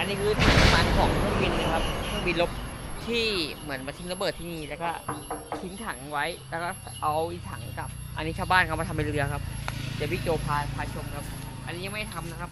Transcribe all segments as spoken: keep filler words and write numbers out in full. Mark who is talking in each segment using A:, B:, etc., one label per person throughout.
A: นี้คือถังน้ำมันของเครื่องบินนะครับเครื่องบินรบที่เหมือนมาทิ้งระเบิดที่นี่แล้วก็ทิ้งถังไว้แล้วก็เอาอีกถังกลับ อันนี้ชาวบ้านเขามาทำเป็นเรือครับเดี๋ยวพี่โจพาพาชมครับอันนี้ยังไม่ทำนะครับ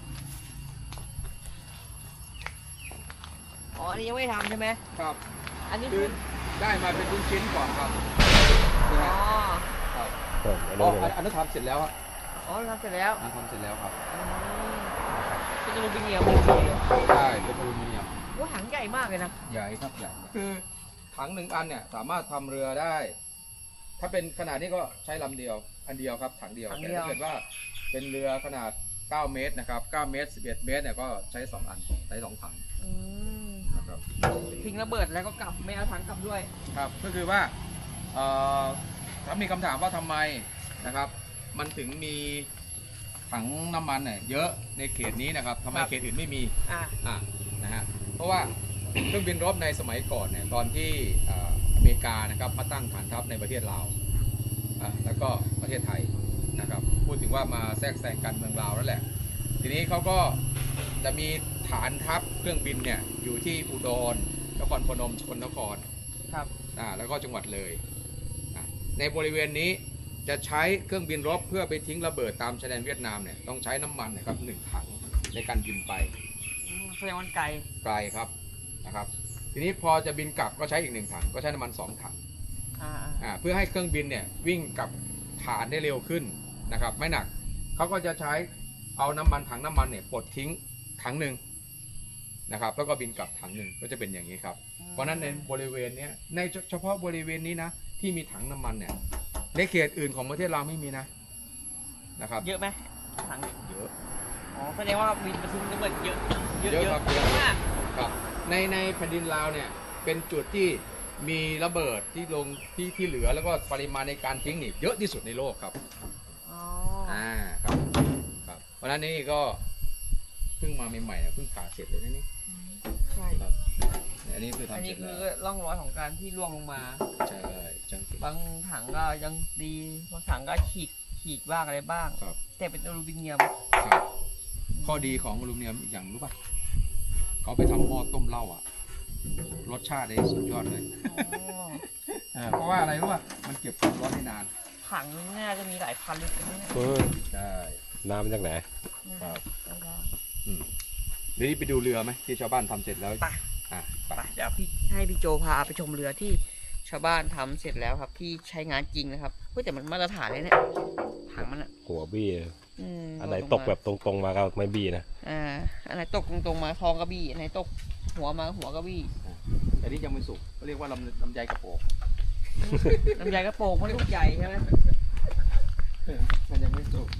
A: อ๋ออันนี้ยังไม่ทำใช่ไหม
B: ครับ
A: อันนี้
B: คือได้มาเป็นชิ้นๆก่อนครับ
A: อ๋อ
B: ครับ
C: อัน
B: อ๋
C: นี้
B: ออันนั้นทำเสร็จแล้วครับ
A: อ๋อทำเสร็จแล้ว
B: อันทำเสร็จแล้วครับ
A: เป็นอลูมิเนียม
B: ใช่เป็นอลูมิเนียม
A: ว่าถังใหญ่มากเลยนะ
B: ใหญ่ครับใหญ่คือถังหนึ่งอันเนี่ยสามารถทำเรือได้ ถ้าเป็นขนาดนี้ก็ใช้ลำเดียว อันเดียวครับถังเดียวแต่ถ้าเกิดว่าเป็นเรือขนาดเก้าเมตรนะครับเก้าเมตรสิบเอ็ดเมตรเนี่ยก็ใช้สองอันใช้สองถังนะครับ
A: ทิ้งระเบิดแล้วก็กลับไม่เอาถังกลับด้วย
B: ครับก็คือว่าเอ่อถ้ามีคำถามว่าทำไมนะครับมันถึงมีถังน้ำมันเนี่ยเยอะในเขตนี้นะครับทำไมเขตอื่นไม่มี
A: อ่า
B: อ่านะฮะเพราะว่า เครื่องบินรบในสมัยก่อนเนี่ยตอนที่อเมริกานะครับมาตั้งฐานทัพในประเทศลาวอ่าแล้วก็ประเทศไทยนะครับพูดถึงว่ามาแทรกแซงการเมืองลาวนั่นแหละทีนี้เขาก็จะมีฐานทัพเครื่องบินเนี่ยอยู่ที่อุดรนครพนมสกลนคร
A: ครับ
B: อ่าแล้วก็จังหวัดเลยอ่าในบริเวณนี้จะใช้เครื่องบินรบเพื่อไปทิ้งระเบิดตามชายแดนเวียดนามเนี่ยต้องใช้น้ำมันนะครับหนึ่งถังในการบินไป
A: แสดงว่าไกล
B: ไกลครับนะครับทีนี้พอจะบินกลับก็ใช้อีกหนึ่งถังก็ใช้น้ำมันสองถัง
A: อ่า
B: อ่าเพื่อให้เครื่องบินเนี่ยวิ่งกับฐานได้เร็วขึ้นนะครับไม่หนักเขาก็จะใช้เอาน้ำมันถังน้ำมันเนี่ยปลดทิ้งถังหนึ่งนะครับแล้วก็บินกลับถังหนึ่งก็จะเป็นอย่างนี้ครับเพราะนั้นในบริเวณนี้ในเฉพาะบริเวณนี้นะที่มีถังน้ำมันเนี่ยในเขตอื่นของประเทศเราไม่มีนะนะครับ
A: เยอะไหมถัง
B: เยอะ
A: อ๋อแสดงว่าบินมาทิ้งระเบิดเยอะ
B: เยอะครับเยอะมากครับในในแผ่นดินลาวเนี่ยเป็นจุดที่มีระเบิดที่ลงที่ที่เหลือแล้วก็ปริมาณในการทิ้งนี่เยอะที่สุดในโลกครับ
A: อ๋อ
B: อ่าครับครับเพราะฉะนั้นนี่ก็เพิ่งมาใหม่ๆเพิ่งผ่าเสร็จเลยนี่
A: ใช่
B: ครับอันนี้คือทำ
A: อันนี้
B: เสร็จ
A: คื
B: แล้ว
A: อร่องรอยของการที่ร่วงลงมา
B: ใช่จัง
A: บางถังก็ยังดีบางถังก็ฉีกฉีกบ้างอะไรบ้างแต่เป็นอลูมิเนียม
B: ครับข้อดีของอลูมิเนียมอีกอย่างรู้ป่ะเขาไปทำหม้อต้มเหล้าอ่ะรสชาติได้สุดยอดเลยเพราะว่าอะไรรู้ป่ะมันเก็บความร้อนได้นาน
A: ถังน่าจะมีหลายพันลิตรนะ
B: ใช่
C: น้ำมาจากไหน
B: ครับอืมเดี๋ยวนี้ไปดูเรือไหมที่ชาวบ้านทำเสร็จแล้ว
A: ไป
B: อ่ะไป
A: เดี๋ยวพี่ให้พี่โจพาไปชมเรือที่ชาวบ้านทำเสร็จแล้วครับที่ใช้งานจริงนะครับเพื่อแต่มันมาตรฐานเลยเนี่ยถังมันอะ
C: หัวบี้อันไหนตกแบบตรงๆมาก็ไม่บี้นะ
A: อ่าอันไหนตกตรงๆมาทองก็บี้อันไหนตกหัวมาหัวก็บี้
B: แต่นี่ยังไม่สุกเขาเรียกว่าลำลำไยกระโปง
A: ลำไยกระโปงมันลูกใหญ่ใช่ไหม
B: มันยังไม่สุก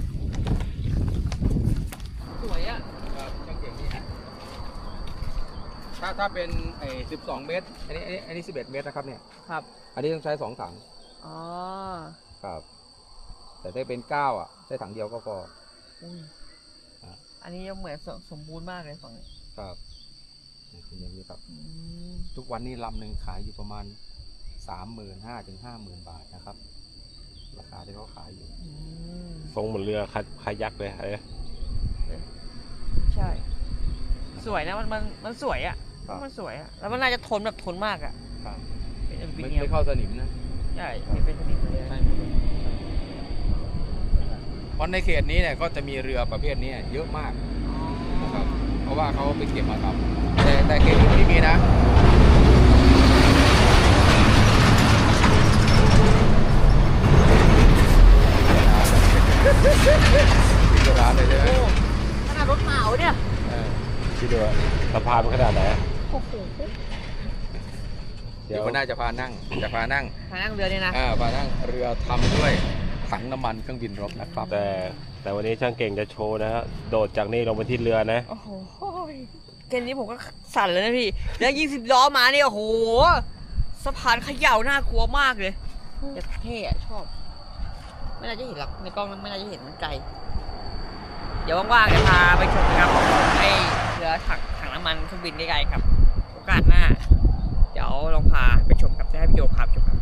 A: สวยอ่ะ
B: ช่างเก่งนี่ฮะถ้าถ้าเป็นไอ้สิบสองเมตรอันนี้อันนี้อันนี้สิบเอ็ดเมตรนะครับเนี่ย
A: ครับ
B: อันนี้ต้องใช้สองถัง
A: อ๋อ
B: ครับแต่ถ้าเป็นเก้าอ่ะใช้ถังเดียวก็พอ
A: อันนี้ยังเหมือนสมบูรณ์มากเลยฝั่งนี้
B: ครับเป็นอย่างนี้ครับทุกวันนี้ลำหนึ่งขายอยู่ประมาณสามหมื่นห้าถึงห้าหมื่นบาทนะครับราคาที่เขาขายอยู่
C: ทรงเหมือนเรือคายักเลยอะไร
A: ใช่สวยนะมันมันมันสวยอ่ะมันสวยอ่ะแล้วมันน่าจะทนแบบทนมากอ่ะ
B: ไม่ไม่เข้าสนิมนะ
A: ใช่ไม่เป็นสนิมเลย
B: ใช่เพราะในเขตนี้เนี่ยก็จะมีเรือประเภทนี้เยอะมากนะครับเพราะว่าเขาไปเก็บมาทำแต่แต่เขตอื่นไม่มีนะร้านเลยใช่ไหม
A: ขนาดรถเหมาเนี่ย
C: คิดดูสะพานขนาดไหน
A: โอ้โห
B: เดี๋ยวน่าจะพานั่งจะพานั่ง
A: พานั่งเรือเนี่ยนะ
B: อ่าพานั่งเรือทำด้วยถังน้ำมันเครื่องบินรบนะครับ
C: แต่แต่วันนี้ช่างเก่งจะโชว์นะฮะโดดจากนี่ลงไปที่เรือนะ
A: โอ้โหเกมนี้ผมก็สั่นเลยนะพี่แล้วยิงสิบล้อมาเนี่ยโอ้โหสะพานเขย่าน่ากลัวมากเลยแต่เท่ชอบไม่น่าจะเห็นหรอกในกล้องไม่น่าจะเห็นมันไกลเดี๋ยวว่างๆจะพาไปชมนะครับให้เรือถังถังน้ำมันเครื่องบินใกล้ๆครับโอกาสหน้าเดี๋ยวลองพาไปชมกับได้พี่โยพาไปชมครับ